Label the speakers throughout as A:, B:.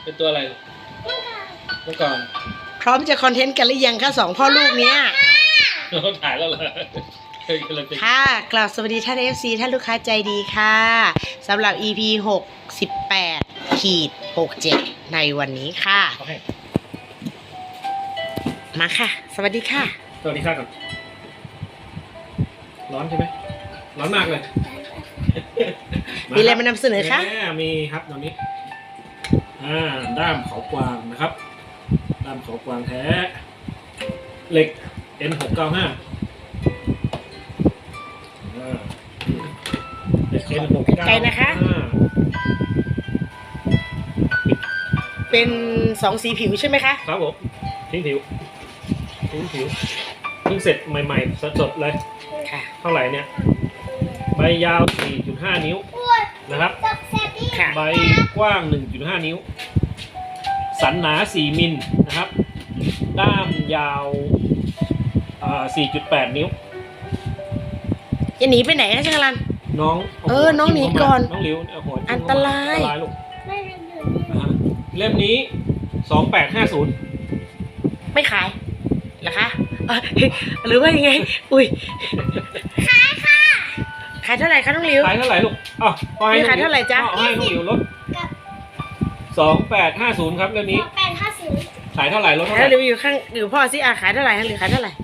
A: เป็นตัวอะไรเมื่อก่อน
B: พร้อมจะคอนเทนต์กันหรือยังคะสองพ่อลูกเนี้ย
A: เราถ่ายแล้วเหรอ
B: ค่ะกล่าวสวัสดีท่าน FC ท่านลูกค้าใจดีค่ะสำหรับ EP 68-67ในวันนี้ค่ะมาค่ะสวัสดีค่ะ
A: สวัสดีค่ะก่อนร้อนใช่ไหมร้อนมากเลย
B: มีอะไรมานำเสนอคะ
A: มีครับตอนนี้ด้ามเขากวางนะครับด้ามเขากวางแท้เหล็ก N695
B: ใจนะคะเป็น2สีผิวใช่ไหมคะ
A: ครับผมทิ้งผิวเพิ่งเสร็จใหม่ๆสดๆเลย
B: ค่ะ
A: เท่าไหร่เนี่ยใบยาว 4.5 นิ้วนะครับใบกว้าง 1.5 นิ้วสันหนา 4 มิลนะครับด้ามยาว4.8 นิ้ว
B: จะหนีไปไหนคะช่างรัน
A: น้อง
B: น้องหนีก่อน
A: น้องหลิว
B: อันตราย
A: ลูกเล่มนี้2850
B: ไม่ขายเหรอคะหรือว่ายังไงอุ้ยขายค่ะขายเท่าไหร่คะน้องหลิว
A: ขายเท่าไหร่ลูก
B: ขายเท่าไหร่จ๊ะ
A: ให้น้องหลิวลด2850ครับเล่มนี้2850ขายเท่าไหร่ลดเท่าไหร่
B: หลิวอยู่ข้างหลิวพ่อสิขายเท่าไหร่หรือขายเท่าไหร่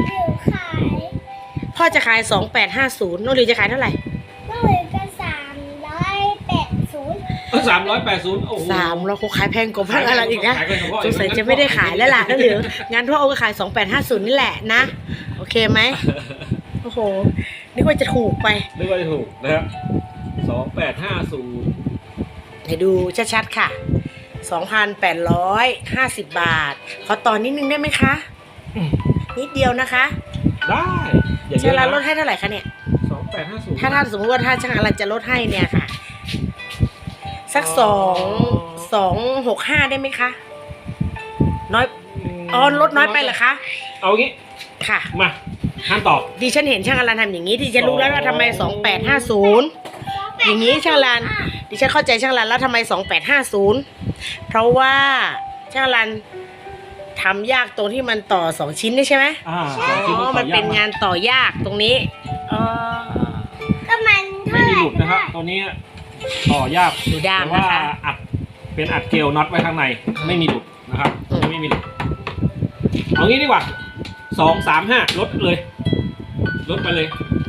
B: พ่อจะขาย2850น้องหลิวจะขายเท่าไหร่
C: น้องหลิวจะ380
A: โอ้โห
B: 300เขาขายแพงกว่าอะไรอีกนะสงสัยจะไม่ได้ขายแล้วล่ะน้องหลิวงั้นพ่อเอาไปขาย2850นี่แหละนะโอเคไหมโอ้โหนึกว่าจะถูกไป
A: นึกว่าจะถูกนะครับ2850
B: ให้ดูชัดๆค่ะ2,850 บาทขอต่อนิดนึงได้ไหมคะนิดเดียวนะคะ
A: ได้
B: ช่างรันลดให้เท่าไหร่คะเนี่ย
A: 2850
B: ถ้าสมมติว่าถ้าช่างรันจะลดให้เนี่ยค่ะสัก265ได้ไหมคะน้อยลดน้อยไปเหรอคะ
A: เอางี้
B: ค่ะ
A: มาห้ามตอบ
B: ดิฉันเห็นช่างรันทำอย่างนี้ดิฉันรู้แล้วว่าทำไม2850อย่างนี้ช่างรันดิฉันเข้าใจช่างรันแล้วทำไม2850เพราะว่าช่างรันทำยากตรงที่มันต่อ2ชิ้นนี่ใช่ไหมมันเป็นงานต่อยากตรงนี้
C: ก็มัน
A: ไม่มีหลุดนะครับตัวนี้ต่อยาก
B: แต่
A: ว่าอัดเป็นอัดเกลียวน็อตไว้ข้างในไม่มีหลุดนะครับไม่มีหลุดเอางี้ดีกว่า235ลดเลยลดไปเลย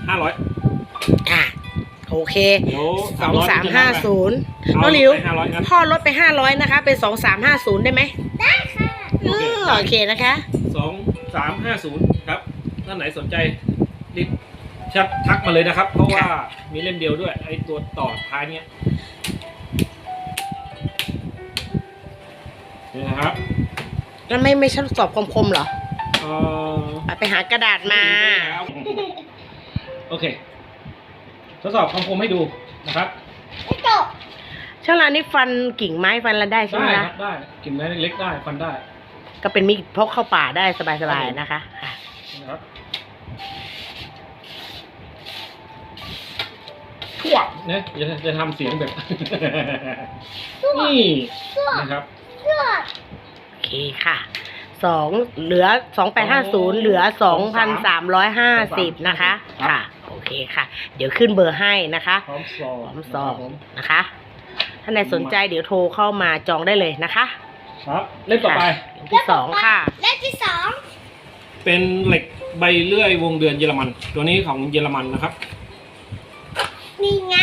A: 500
B: โอเค2350น้องหลิวพ่อลดไป500นะคะเป็น2350ได้ไหม
C: ได้ค่ะ
B: โอเคนะคะ
A: 2350ครับท่านไหนสนใจรีบทักมาเลยนะครับเพราะว่ามีเล่มเดียวด้วยไอ้ตัวต่อท้ายเนี้ยนี่นะครับ
B: แล้วไม่ทดสอบคมๆเหรอไปหากระดาษมา
A: โอเคทดสอบคำคมให้ดูนะครับ
B: ช่างร้านนี้ฟันกิ่งไม้ฟันอะไรได้ใช่ไหมคะ
A: ได้กิ่งไม้เล็กได้ฟันได้
B: ก็เป็นมีดพกเข้าป่าได้สบายๆนะคะ
A: นะครับทั่วเนี่ยจะทำเสียงแบบนี่นะครับ
B: โอเคค่ะเหลือ2850เหลือ2,350นะคะค่ะโอเคค่ะเดี๋ยวขึ้นเบอร์ให้นะคะ
A: พร้อม
B: ซองนะคะถ้าใครสนใจเดี๋ยวโทรเข้ามาจองได้เลยนะคะ
A: ครับเล่มต่อไป
B: เล่มที่2ค่ะ
C: เล่มที่
A: 2เป็นเหล็กใบเลื่อยวงเดือนเยอรมันตัวนี้ของเยอรมันนะครับ
C: นี่ไง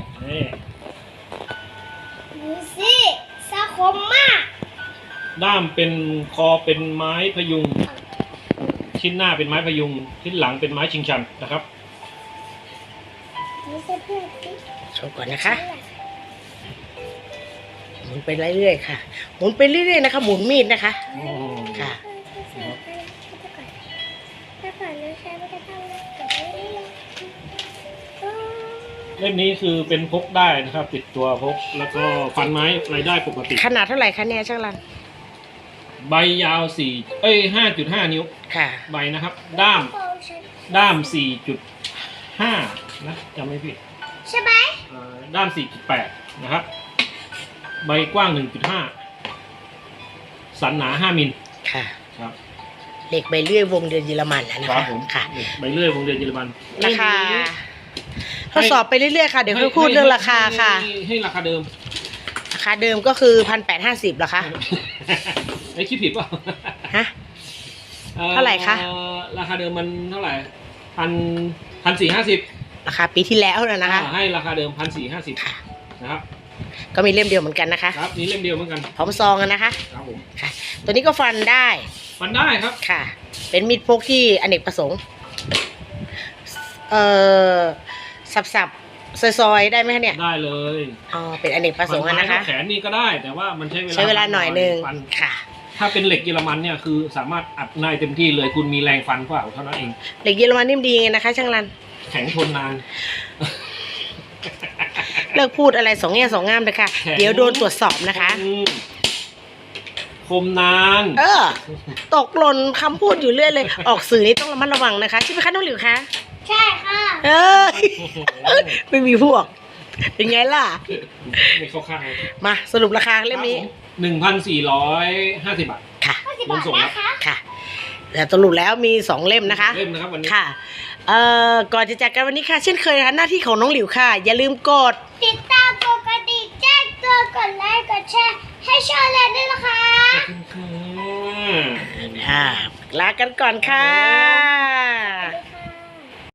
C: ดูสิสะคมมาก
A: ด้ามเป็นคอเป็นไม้พยุงชิ้นหน้าเป็นไม้พยุงชิ้นหลังเป็นไม้ชิงชันนะครับ
B: โชว์ก่อนนะคะหมุนไปเรื่อยๆค่ะหมุนไปเรื่อยๆนะคะหมุนมีดนะคะค่ะ
A: เล่มนี้คือเป็นพกได้นะครับติดตัวพกแล้วก็ฟันไม้อะไรได้ปกติ
B: ขนาดเท่าไหร่คะเนี่ยช่างรัน
A: ใบยาว5.5 นิ้ว
B: ค่ะ
A: ใบนะครับด้าม 4.5 นะจำไม่ผิด
C: ใช่ไหม
A: ด้าม 4.8 นะครับใบกว้าง 1.5 สันหนา5มิล
B: ค่ะ
A: ครับ
B: เหล็กใบเลื่อยวงเดือนเยอรมันนะ
A: ครั
B: คะ
A: บผม
B: ค่ะ
A: ใบเลื่อยวงเดือนเยอรมัน
B: ราคาทดสอบไปเรื่อยๆค่ะ เดี๋ยวค่อยพูดเรื่องราคาค่ะ
A: ให้ราคาเดิม
B: ราคาเดิมก็คือ1,850เหรอคะ
A: ไอ้คิดผิดเปล่า
B: ฮะ เท่าไหร่คะ
A: ราคาเดิมมันเท่าไหร่1,450
B: ราคาปีที่แล้วนะคะ
A: ให้ราคาเดิม1,450
B: ค่ะ
A: นะครับ
B: ก็มีเล่มเดียวเหมือนกันนะคะ
A: ครับนี่เล่มเดียวเหมือนกัน
B: พร้อมซองกันนะคะ
A: ครับผม
B: ค่ะ ตัวนี้ก็ฟันได้
A: มันได้ครับ
B: ค่ะ เป็นมีดพกที่อเนกประสงค์สับซอยๆได้ไหมคะเนี่ย
A: ได้เลย
B: อ๋อเป็นอเนกประสงค์อะนะคะ
A: แขนนี่ก็ได้แต่ว่ามันใช้
B: เวลาหน่อยนึง
A: ฟัน
B: ค่ะ
A: ถ้าเป็นเหล็กเยอรมันเนี่ยคือสามารถอัดได้เต็มที่เลยคุณมีแรงฟันกว่าเท่านั้นเอง
B: เหล็กเยอรมันนิ่มดีไงนะคะ ช่างรัน
A: แข็งทนนาน
B: เลิกพูดอะไรสองแง่สองงามเลยค่ะ
A: แข็ง
B: เดี๋ยวโดนตรวจสอบนะคะ
A: คมนาน
B: ตกหล่นคำพูดอยู่เรื่อยเลย ออกสื่อนี่ต้องระมัดระวังนะคะใช่ไหมคะน้องหลิวคะ
C: ใช่ค่ะ
B: ไม่มีพวก เป็นไงล่ะ
A: ไม่เข้าข้างเลย
B: มาสรุปราคาเล่มนี้
A: 1,450 บาท
B: ค่ะ
C: 50 บาทนะคะ
B: ค่ะแต่สรุปแล้วมี2เล่มนะคะ
A: เล่มนะครับวันนี้
B: ค่ะก่อนจะจากกันวันนี้ค่ะ เช่นเคยนะคะหน้าที่ของน้องหลิวค่ะ อย่าลืมกด
C: ติดตามปกติแจ้งเตือนกดไลค์กดแชร์ให้ช่วยเล่นด้วยนะคะ
A: ขอบคุณค่ะ
B: ลากันก่อนค่ะ